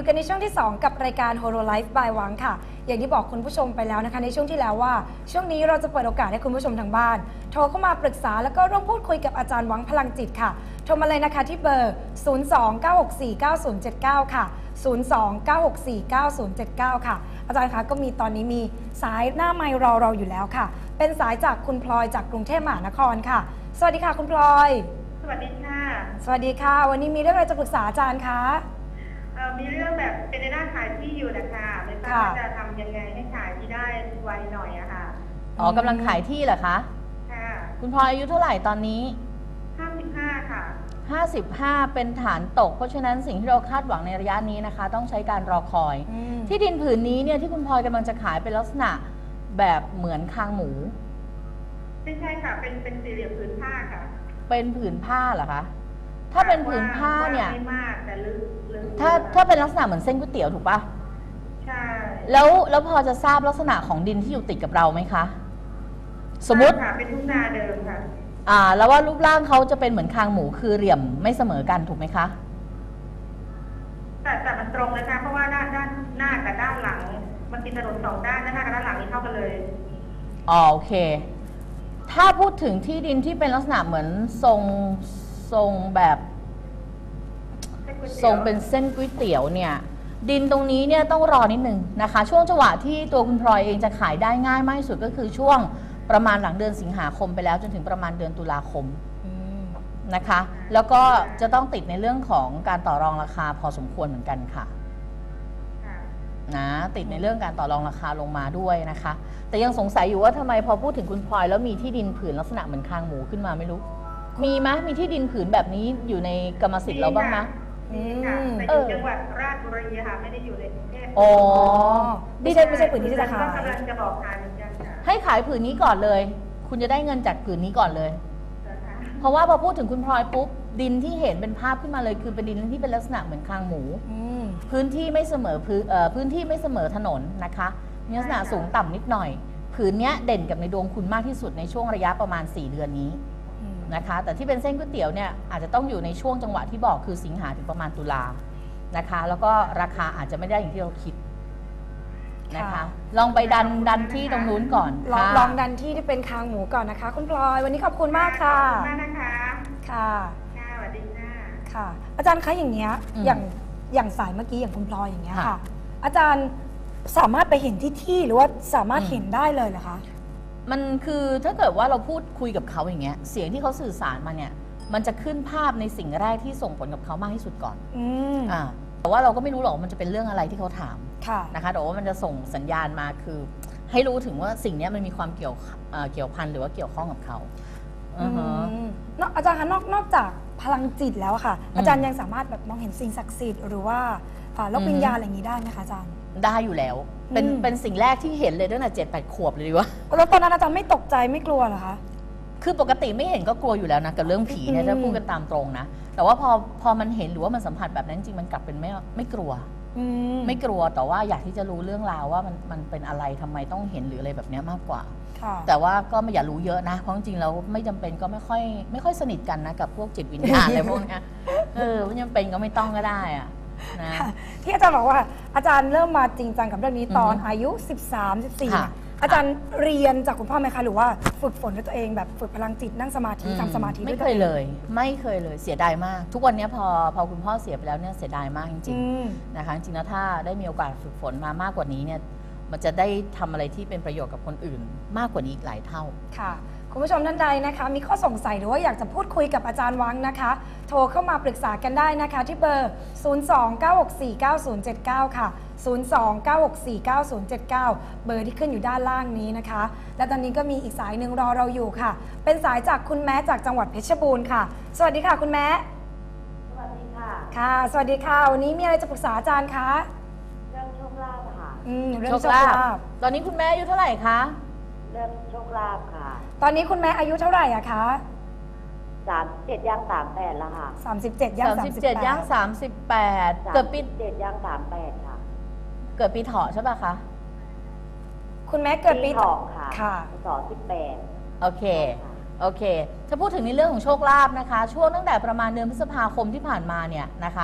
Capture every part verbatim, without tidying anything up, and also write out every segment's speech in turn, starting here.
อยู่กันในช่วงที่สองกับรายการ Holo Life by หวังค่ะอย่างที่บอกคุณผู้ชมไปแล้วนะคะในช่วงที่แล้วว่าช่วงนี้เราจะเปิดโอกาสให้คุณผู้ชมทางบ้านโทรเข้ามาปรึกษาแล้วก็ร่วมพูดคุยกับอาจารย์หวังพลังจิตค่ะโทรมาเลยนะคะที่เบอร์ ศูนย์ สอง เก้า หก สี่ เก้า ศูนย์ เจ็ด เก้า ค่ะ ศูนย์ สอง เก้า หก สี่ เก้า ศูนย์ เจ็ด เก้า ค่ะอาจารย์คะก็มีตอนนี้มีสายหน้าไมค์รอเราอยู่แล้วค่ะเป็นสายจากคุณพลอยจากกรุงเทพมหานครค่ะสวัสดีค่ะคุณพลอยสวัสดีค่ะสวัสดีค่ะวันนี้มีเรื่องอะไรจะปรึกษาอาจารย์คะมีเรื่องแบบเป็นในด้านขายที่อยู่นะคะไม่ทราบว่าจะทำยังไงให้ขายที่ได้ไวหน่อยอะค่ะอ๋อกำลังขายที่เหรอคะค่ะคุณพลอยอายุเท่าไหร่ตอนนี้ห้าสิบห้าค่ะห้าสิบห้าเป็นฐานตกเพราะฉะนั้นสิ่งที่เราคาดหวังในระยะนี้นะคะต้องใช้การรอคอยที่ดินผืนนี้เนี่ยที่คุณพลอยกำลังจะขายเป็นลักษณะแบบเหมือนคางหมูไม่ใช่ค่ะเป็นเป็นสี่เหลี่ยมผืนผ้าค่ะเป็นผืนผ้าเหรอคะถ้าเป็นผืนผ้าเนี่ยไม่มากแต่ลึกลึกถ้าถ้าเป็นลักษณะเหมือนเส้นก๋วยเตี๋ยวถูกปะใช่แล้วแล้วพอจะทราบลักษณะของดินที่อยู่ติดกับเราไหมคะสมมติค่ะเป็นทุ่งนาเดิมค่ะอ่าแล้วว่ารูปร่างเขาจะเป็นเหมือนคางหมูคือเหลี่ยมไม่เสมอกันถูกไหมคะแต่แต่มันตรงนะคะเพราะว่าด้านด้านหน้ากับด้านหลังมันติดถนนสองด้านด้านหน้ากับด้านหลังนี่เท่ากันเลยอ๋อโอเคถ้าพูดถึงที่ดินที่เป็นลักษณะเหมือนทรงทรงแบบทรงเป็นเส้นก๋วยเตี๋ยวเนี่ยดินตรงนี้เนี่ยต้องรอนิดนึงนะคะช่วงจังหวะที่ตัวคุณพลอยเองจะขายได้ง่ายมากที่สุดก็คือช่วงประมาณหลังเดือนสิงหาคมไปแล้วจนถึงประมาณเดือนตุลาคมนะคะแล้วก็จะต้องติดในเรื่องของการต่อรองราคาพอสมควรเหมือนกันค่ะนะติดในเรื่องการต่อรองราคาลงมาด้วยนะคะแต่ยังสงสัยอยู่ว่าทำไมพอพูดถึงคุณพลอยแล้วมีที่ดินผืนลักษณะเหมือนคางหมูขึ้นมาไม่รู้มีไหมมีที่ดินผืนแบบนี้อยู่ในกรรมสิทธิ์เราบ้างไหมมีค่ะแต่อยู่จังหวัดราชบุรีค่ะไม่ได้อยู่ในกรุงเทพอ๋อไม่ใช่ไม่ใช่ผืนที่จะขายกำลังจะบอกขายเหมือนกันค่ะให้ขายผืนนี้ก่อนเลยคุณจะได้เงินจากผืนนี้ก่อนเลยเพราะว่าพอพูดถึงคุณพลอยปุ๊บดินที่เห็นเป็นภาพขึ้นมาเลยคือเป็นดินที่เป็นลักษณะเหมือนคางหมูพื้นที่ไม่เสมอพื้นพื้นที่ไม่เสมอถนนนะคะมีลักษณะสูงต่ำนิดหน่อยผืนนี้เด่นกับในดวงคุณมากที่สุดในช่วงระยะประมาณสี่เดือนนี้นะคะแต่ที่เป็นเส้นก๋วยเตี๋ยวเนี่ยอาจจะต้องอยู่ในช่วงจังหวะที่บอกคือสิงหาถึงประมาณตุลานะคะแล้วก็ราคาอาจจะไม่ได้อย่างที่เราคิดนะคะลองไปดันดันที่ตรงนู้นก่อนลองลองดันที่ที่เป็นคางหมูก่อนนะคะคุณพลอยวันนี้ขอบคุณมากค่ะขอบคุณมากนะคะค่ะค่ะสวัสดีค่ะค่ะอาจารย์คะอย่างเงี้ยอย่างอย่างสายเมื่อกี้อย่างคุณพลอยอย่างเงี้ยค่ะอาจารย์สามารถไปเห็นที่ที่หรือว่าสามารถเห็นได้เลยเหรอคะมันคือถ้าเกิดว่าเราพูดคุยกับเขาอย่างเงี้ยเสียงที่เขาสื่อสารมาเนี่ยมันจะขึ้นภาพในสิ่งแรกที่ส่งผลกับเขามากที่สุดก่อนอืมอ่าแต่ว่าเราก็ไม่รู้หรอกมันจะเป็นเรื่องอะไรที่เขาถามค่ะนะคะแต่ว่ามันจะส่งสัญญาณมาคือให้รู้ถึงว่าสิ่งนี้มันมีความเกี่ยวเกี่ยวพันหรือว่าเกี่ยวข้องกับเขาอืมนอกอาจารย์คะนอกนอกจากพลังจิตแล้วค่ะอาจารย์ยังสามารถแบบมองเห็นสิ่งศักดิ์สิทธิ์หรือว่าโลกวิญญาณอะไรอย่างนี้ได้ไหมคะอาจารย์ได้อยู่แล้วเป็นเป็นสิ่งแรกที่เห็นเลยตั้งแต่เจ็ดแปดขวบเลยดีวะแล้วตอนนั้นอาจารย์ไม่ตกใจไม่กลัวเหรอคะคือปกติไม่เห็นก็กลัวอยู่แล้วนะกับเรื่องผีเนี่ยถ้าพูดกันตามตรงนะแต่ว่าพอพอมันเห็นหรือว่ามันสัมผัสแบบนั้นจริงมันกลับเป็นไม่ไม่กลัวไม่กลัวแต่ว่าอยากที่จะรู้เรื่องราวว่ามันมันเป็นอะไรทำไมต้องเห็นหรืออะไรแบบนี้มากกว่าแต่ว่าก็ไม่อย่ารู้เยอะนะเพราะจริงๆแล้วไม่จำเป็นก็ไม่ค่อยไม่ค่อยสนิทกันนะกับพวกจิตวิญญาณอะไรพวกนี้เออไม่จำเป็นก็ไม่ต้องก็ได้อะนะที่อาจารย์บอกว่าอาจารย์เริ่มมาจริงจังกับเรื่องนี้ตอนอายุสิบสาม สิบสี่อาจารย์เรียนจากคุณพ่อไหมคะหรือว่าฝึกฝนด้วยตัวเองแบบฝึกพลังจิตนั่งสมาธิทำสมาธิไม่เคยเลยไม่เคยเลยเสียดายมากทุกวันนี้พอพอคุณพ่อเสียไปแล้วเนี่ยเสียดายมากจริงๆนะคะจริงๆแล้วถ้าได้มีโอกาสฝึกฝนมามากกว่านี้เนี่ยมันจะได้ทำอะไรที่เป็นประโยชน์กับคนอื่นมากกว่านี้อีกหลายเท่าค่ะคุณผู้ชมท่านใดนะคะมีข้อสงสัยหรือว่าอยากจะพูดคุยกับอาจารย์วังนะคะโทรเข้ามาปรึกษากันได้นะคะที่เบอร์ ศูนย์ สอง เก้า หก สี่ เก้า ศูนย์ เจ็ด เก้า ค่ะ ศูนย์ สอง เก้า หก สี่ เก้า ศูนย์ เจ็ด เก้า เบอร์ที่ขึ้นอยู่ด้านล่างนี้นะคะและตอนนี้ก็มีอีกสายหนึ่งรอเราอยู่ค่ะเป็นสายจากคุณแม้จากจังหวัดเพชรบูรณ์ค่ะสวัสดีค่ะคุณแม้สวัสดีค่ะค่ะสวัสดีค่ะวันนี้มีอะไรจะปรึกษาอาจารย์คะเรื่องโชคลาภค่ะอืมเรื่องโชคลาภตอนนี้คุณแม่อายุเท่าไหร่คะเรื่องโชคลาภค่ะตอนนี้คุณแม่อายุเท่าไหร่อะคะสามสิบเจ็ดย่างสามแปดแล้วค่ะสามสิบเจ็ดย่างสามสิบแปดย่างสามสิบแปดเกิดปีเจ็ดย่างสามแปดค่ะเกิดปีเถาะใช่ป่ะคะคุณแม่เกิดปีเถาะค่ะค่ะสองสิบแปดโอเคโอเคถ้าพูดถึงในเรื่องของโชคลาภนะคะช่วงตั้งแต่ประมาณเดือนพฤษภาคมที่ผ่านมาเนี่ยนะคะ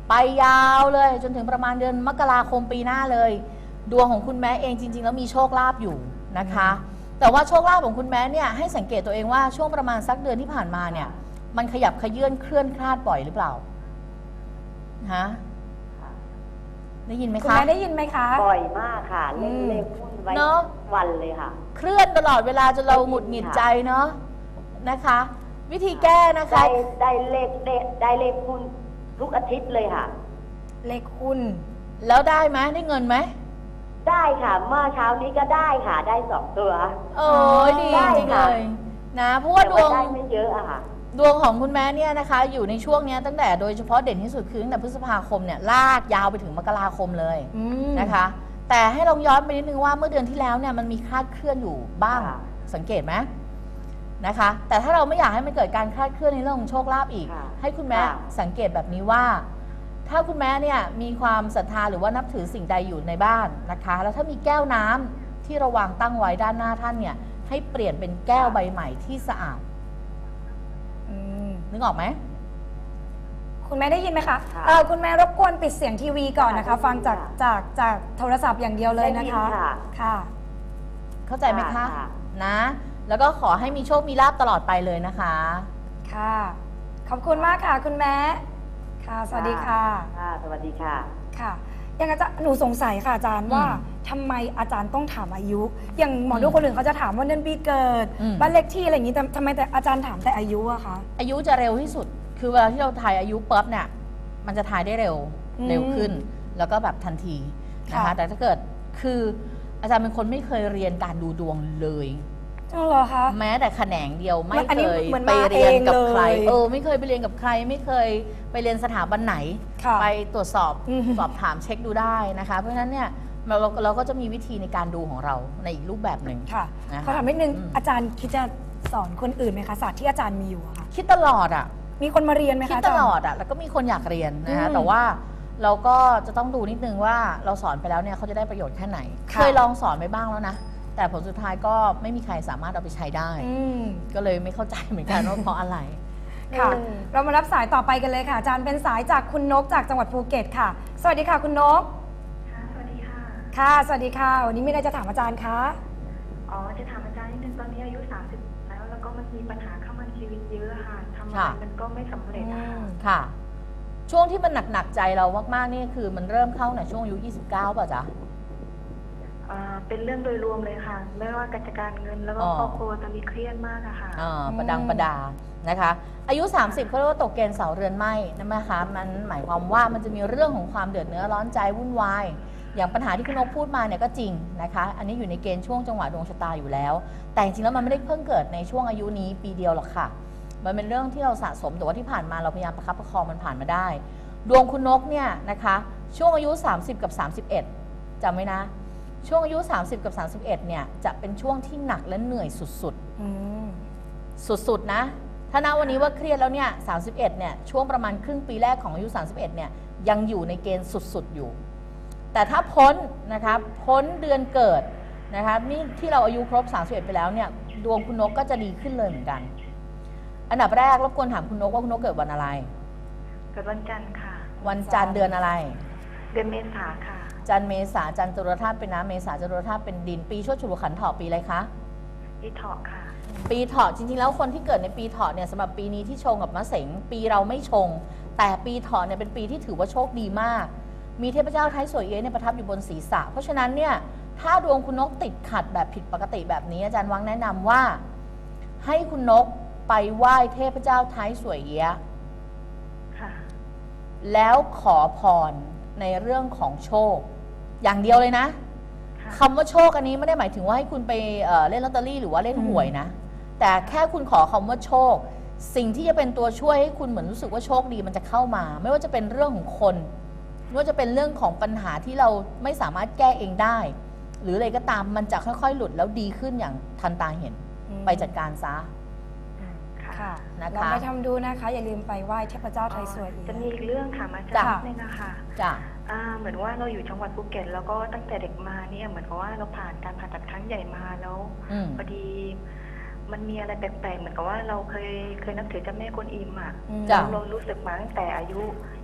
ไปยาวเลยจนถึงประมาณเดือนมกราคมปีหน้าเลย ดวงของคุณแม่เองจริงๆแล้วมีโชคลาภอยู่นะคะ แต่ว่าโชคลาภของคุณแม่เนี่ยให้สังเกตตัวเองว่าช่วงประมาณสักเดือนที่ผ่านมาเนี่ยมันขยับขยื่นเคลื่อนคลาดบ่อยหรือเปล่าฮะได้ยินไหมคุณคะแม่ได้ยินไหมคะบ่อยมากค่ะเล่นอืมเล่นหุ้นไว้เนอะวันเลยค่ะเคลื่อนตลอดเวลาจนเราหงุดหงิดใจเนาะนะคะ วิธีแก้นะคะได้ได้เลขได้ได้เลขหุ้นทุกอาทิตย์เลยค่ะเลขหุ้นแล้วได้ไหมได้เงินไหมได้ค่ะเมื่อเช้านี้ก็ได้ค่ะได้สองตัวโอ้ยดีได้จริงเลค่ะยนะเพราะว่าแต่ดวงได้ไม่เยอะอะค่ะดวงของคุณแม่เนี่ยนะคะ อยู่ในช่วงเนี้ยตั้งแต่โดยเฉพาะเด่นที่สุดคือตั้งแต่พฤษภาคมเนี่ยลากยาวไปถึงมกราคมเลยอืมนะคะ แต่ให้ลองย้อนไปนิดนึงว่าเมื่อเดือนที่แล้วเนี่ยมันมีคลาดเคลื่อนอยู่บ้างค่ะสังเกตไหมนะคะ แต่ถ้าเราไม่อยากให้มันเกิดการคลาดเคลื่อนในเรื่องของโชคลาภอีกค่ะให้คุณแม่ค่ะสังเกตแบบนี้ว่า ถ้าคุณแม่เนี่ยมีความศรัทธาหรือว่านับถือสิ่งใดอยู่ในบ้านนะคะ แล้วถ้ามีแก้วน้ำที่เราวางตั้งไว้ด้านหน้าท่านเนี่ยให้เปลี่ยนเป็นแก้วใบใหม่ที่สะอาดอืมนึกออกไหมคุณแม่ได้ยินไหมคะค่ะเออคุณแม่รบกวนปิดเสียงทีวีก่อนนะคะค่ะฟังจากได้ยินค่ะจากจากโทรศัพท์อย่างเดียวเลยนะคะได้ยินค่ะค่ะเข้าใจไหมคะค่ะค่ะนะ แล้วก็ขอให้มีโชคมีลาภตลอดไปเลยนะคะค่ะ ขอบคุณมากค่ะ คุณแม่ ค่ะ สวัสดีค่ะค่ะสวัสดีค่ะค่ะอย่างอาจารย์หนูสงสัยค่ะอาจารย์ว่าทำไมอาจารย์ต้องถามอายุ อย่างหมอดูคนอื่นเขาจะถามว่าเดือนปีเกิดอืมบ้านเลขที่อะไรอย่างนี้แต่ทำไมแต่อาจารย์ถามแต่อายุอะคะอายุจะเร็วที่สุด คือเวลาที่เราทายอายุปุ๊บเนี่ย มันจะทายได้เร็วอืมเร็วขึ้น แล้วก็แบบทันทีนะคะค่ะแต่ถ้าเกิด คืออาจารย์เป็นคนไม่เคยเรียนการดูดวงเลยจริงเหรอคะแม้แต่แขนงเดียวไม่อันเคนี้ยเหมือนไปมาเรียนกับเองเลยใคร เออ ไม่เคยไปเรียนกับใคร ไม่เคยไปเรียนสถาบันไหนค่ะไปตรวจสอบอืมสอบถามเช็คดูได้นะคะ เพราะฉะนั้นเนี่ยเราเราเราก็จะมีวิธีในการดูของเราในอีกรูปแบบหนึ่งค่ะนะคะขอถามนิดนึงอืมอาจารย์คิดจะสอนคนอื่นไหมคะศาสตร์ที่อาจารย์มีอยู่อะค่ะคิดตลอดอ่ะมีคนมาเรียนไหมคิคะดอาตจารย์ลอดอ่ะ แล้วก็มีคนอยากเรียนนะคะอืมแต่ว่าเราก็จะต้องดูนิดนึงว่าเราสอนไปแล้วเนี่ยเขาจะได้ประโยชน์แค่ไหนค่ะเคยลองสอนไปบ้างแล้วนะ แต่ผลสุดท้ายก็ไม่มีใครสามารถเอาไปใช้ได้อืมก็เลยไม่เข้าใจเหมือนกันว่าเพราะอะไรค่ะอืมเรามารับสายต่อไปกันเลยค่ะ อาจารย์เป็นสายจากคุณนกจากจังหวัดภูเก็ตค่ะ สวัสดีค่ะคุณนกค่ะ สวัสดีค่ะค่ะ สวัสดีค่ะ วันนี้มีอะไรจะถามอาจารย์คะอ๋อ จะถามอาจารย์นิดนึงตอนนี้อายุ สามสิบ แล้ว แล้วก็มันมีปัญหาเข้ามาในชีวิตเยอะค่ะทำอะไรค่ะมันก็ไม่สำเร็จอะค่ะค่ะ ช่วงที่มันหนักๆใจเรามากๆนี่คือมันเริ่มเข้าในช่วงอายุยี่สิบเก้าป่ะจ๊ะอ่าเป็นเรื่องโดยรวมเลยค่ะ ไม่ว่าการจัดการเงินแล้วก็อ๋อครอบครัวตอนนี้เครียดมากอะค่ะอ่าประดังประดานะคะ อายุ สามสิบเขาเรียกว่าตกเกณฑ์เสาเรือนไหมนะคะมันหมายความว่ามันจะมีเรื่องของความเดือดเนื้อร้อนใจวุ่นวายอย่างปัญหาที่คุณนกพูดมาเนี่ยก็จริงนะคะ อันนี้อยู่ในเกณฑ์ช่วงจังหวะดวงชะตาอยู่แล้ว แต่จริงๆแล้วมันไม่ได้เพิ่งเกิดในช่วงอายุนี้ปีเดียวหรอกค่ะ มันเป็นเรื่องที่เราสะสมแต่ว่าที่ผ่านมาเราพยายามประคับประคองมันผ่านมาได้ ดวงคุณนกเนี่ยนะคะช่วงอายุ สามสิบ กับ สามสิบเอ็ดจำไว้นะ ช่วงอายุ สามสิบ กับ สามสิบเอ็ดเนี่ยจะเป็นช่วงที่หนักและเหนื่อยสุดๆอืมสุดๆนะ ถ้าณวันนี้ว่าเครียดแล้วเนี่ย สามสิบเอ็ดเนี่ย ช่วงประมาณครึ่งปีแรกของอายุ สามสิบเอ็ดเนี่ย ยังอยู่ในเกณฑ์สุดๆอยู่ แต่ถ้าพ้นนะคะ พ้นเดือนเกิดนะคะนี่ที่เราอายุครบ สามสิบเอ็ดไปแล้วเนี่ย ดวงคุณนกก็จะดีขึ้นเลยเหมือนกัน อันดับแรกรบกวนถามคุณนกว่าคุณนกเกิดวันอะไรเกิดวันจันทร์ค่ะวันจันทร์เดือนอะไรเดือนเมษาค่ะจันทร์เมษาจันทร์จรธาตุเป็นน้ำเมษาจรธาตุเป็นดิน ปีชวดฉลูขันธ์เถาะปีอะไรคะอีเถาะค่ะปีเถาะจริงๆแล้วคนที่เกิดในปีเถาะเนี่ยสำหรับปีนี้ที่ชงกับมะเสงปีเราไม่ชง แต่ปีเถาะเนี่ยเป็นปีที่ถือว่าโชคดีมาก มีเทพเจ้าไทยสวยเอ๊ะเนี่ยประทับอยู่บนศีรษะ เพราะฉะนั้นเนี่ยถ้าดวงคุณนกติดขัดแบบผิดปกติแบบนี้อาจารย์วังแนะนำว่า ให้คุณนกไปไหว้เทพเจ้าไทยสวยเอ๊ะค่ะแล้วขอพรในเรื่องของโชค อย่างเดียวเลยนะค่ะคำว่าโชคอันนี้ไม่ได้หมายถึงว่าให้คุณไปเอ่อเล่นลอตเตอรี่หรือว่าเล่นหวยนะ แต่แค่คุณขอคำว่าโชค สิ่งที่จะเป็นตัวช่วยให้คุณเหมือนรู้สึกว่าโชคดีมันจะเข้ามา ไม่ว่าจะเป็นเรื่องของคนไม่ว่าจะเป็นเรื่องของปัญหาที่เราไม่สามารถแก้เองได้ หรืออะไรก็ตามมันจะค่อยๆ หลุดแล้วดีขึ้นอย่างทันตาเห็นอืมไปจัดการซะค่ะค่ะนะคะลองไปทำดูนะคะ อย่าลืมไปไหว้เทพเจ้าไทยสวยอีกจะมีอีกเรื่องค่ะมาจ้ะจากนี่นะคะจ้ะอ่าเหมือนว่าเราอยู่จังหวัดภูเก็ตแล้วก็ตั้งแต่เด็กมาเนี่ยเหมือนกับว่าเราผ่านการผ่าตัดครั้งใหญ่มาแล้วอืมพอดีมันมีอะไรแปลกๆเหมือนกับว่าเราเคยเคยนับถือเจ้าแม่กวนอิมอ่ะอืมจ้ะเรารู้สึกมาตั้งแต่อายุ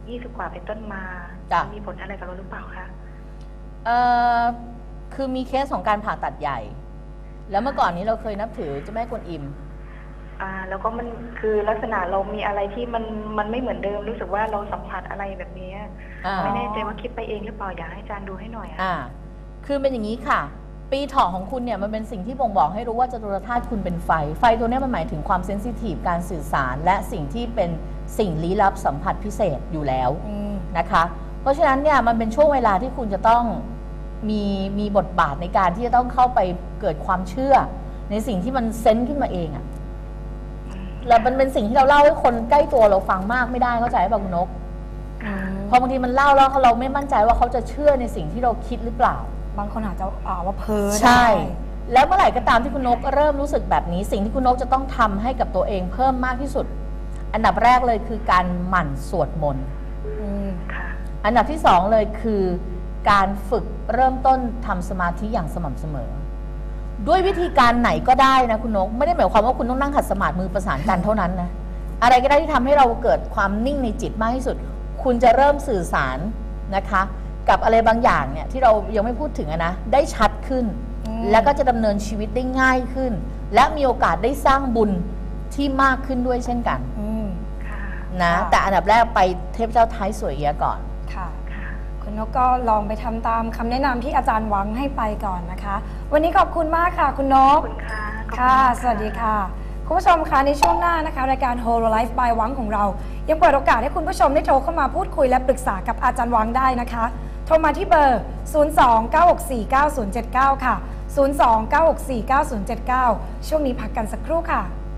ยี่สิบกว่าเป็นต้นมาจ้ะมีผลอะไรกับเราหรือเปล่าคะเอ่อคือมีเคสของการผ่าตัดใหญ่ แล้วเมื่อก่อนนี้เราเคยนับถือเจ้าแม่กวนอิมอ่าแล้วก็มันคือลักษณะเรามีอะไรที่มันมันไม่เหมือนเดิมรู้สึกว่าเราสัมผัสอะไรแบบนี้อ่าไม่แน่ใจว่าคิดไปเองหรือเปล่าอยากให้อาจารย์ดูให้หน่อยอะอ่า คือเป็นอย่างนี้ค่ะ ปีเถาะของคุณเนี่ยมันเป็นสิ่งที่บ่งบอกให้รู้ว่าจตุรธาตุคุณเป็นไฟ ไฟตัวเนี้ยมันหมายถึงความเซนซิทีฟการสื่อสาร และสิ่งที่เป็นสิ่งลี้ลับสัมผัสพิเศษอยู่แล้วอืมนะคะ เพราะฉะนั้นเนี่ยมันเป็นช่วงเวลาที่คุณจะต้องมีมีบทบาทในการที่จะต้องเข้าไปเกิดความเชื่อ ในสิ่งที่มันเซนส์ขึ้นมาเองอะแล้วมันเป็นสิ่งที่เราเล่าให้คนใกล้ตัวเราฟังมากไม่ได้เข้าใจป่ะคุณนกอืมเพราะบางทีมันเล่าแล้วเราไม่มั่นใจว่าเขาจะเชื่อในสิ่งที่เราคิดหรือเปล่าบางคนอาจจะอ่าว่าเพ้อใช่ได้แล้วเมื่อไหร่ก็ตามที่คุณนกเริ่มรู้สึกแบบนี้ สิ่งที่คุณนกจะต้องทำให้กับตัวเองเพิ่มมากที่สุด อันดับแรกเลยคือการหมั่นสวดมนต์อืมค่ะอันดับที่สองเลยคือการฝึกเริ่มต้นทำสมาธิอย่างสม่ำเสมอ ด้วยวิธีการไหนก็ได้นะคุณนก ไม่ได้หมายความว่าคุณต้องนั่งขัดสมาธิมือประสานกันเท่านั้นนะ อะไรก็ได้ที่ทำให้เราเกิดความนิ่งในจิตมากที่สุด คุณจะเริ่มสื่อสารนะคะ กับอะไรบางอย่างเนี่ยที่เรายังไม่พูดถึงอะนะได้ชัดขึ้นอืมแล้วก็จะดำเนินชีวิตได้ง่ายขึ้น และมีโอกาสได้สร้างบุญที่มากขึ้นด้วยเช่นกันอืมค่ะนะค่ะแต่อันดับแรกไปเทพเจ้าท้ายสวยเอียะก่อนค่ะค่ะคุณนกก็ลองไปทำตามคำแนะนำที่อาจารย์หวังให้ไปก่อนนะคะ วันนี้ขอบคุณมากค่ะ คุณนขกอบคุณค่ะขอบณค่ะมากสวัสดีค่ะ คุณผู้ชมคะในช่วงหน้านะคะ รายการ Whole Life by หวังของเรา ยังเปิดโอกาสให้คุณผู้ชมได้โทรเข้ามาพูดคุยและปรึกษากับอาจารย์หวังได้นะคะ โทรมาที่เบอร์ ศูนย์ สอง เก้า หก สี่ เก้า ศูนย์ เจ็ด เก้า ค่ะ ศูนย์ สอง เก้า หก สี่ เก้า ศูนย์ เจ็ด เก้า ช่วงนี้พักกันสักครู่ค่ะ